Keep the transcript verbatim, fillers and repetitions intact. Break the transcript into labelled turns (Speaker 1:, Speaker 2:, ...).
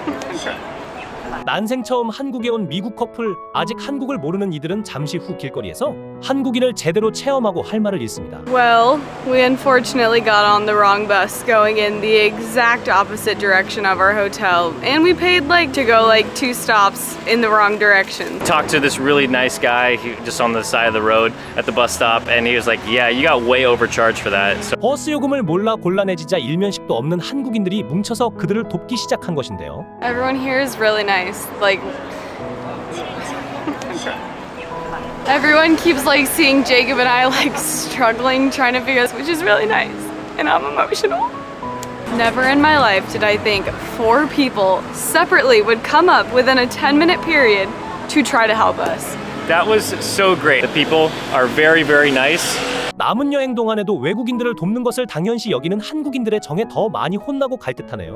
Speaker 1: 난생 처음 한국에 온 미국 커플. 아직 한국을 모르는 이들은 잠시 후 길거리에서 한국인을 제대로 체험하고 할 말을 잃습니다.
Speaker 2: Well, we unfortunately got on the wrong bus going in the exact opposite direction of our hotel, and we paid like to go like two stops in the wrong direction.
Speaker 3: Talked to this really nice guy he, just on the side of the road at the bus stop, and he was like, yeah, you got way overcharged for that. So
Speaker 1: 버스 요금을 몰라 곤란해지자 일면식도 없는 한국인들이 뭉쳐서 그들을 돕기 시작한 것인데요.
Speaker 2: Everyone here is really nice. Like everyone keeps like seeing Jacob and I like struggling trying to figure out, which is really nice, and I'm emotional. Never in my life did I think four people separately would come up within a ten minute period to try to help us.
Speaker 3: that was so great. The people are very, very nice.
Speaker 1: 남은 여행 동안에도 외국인들을 돕는 것을 당연시 여기는 한국인들의 정에 더 많이 혼나고 갈 듯하네요.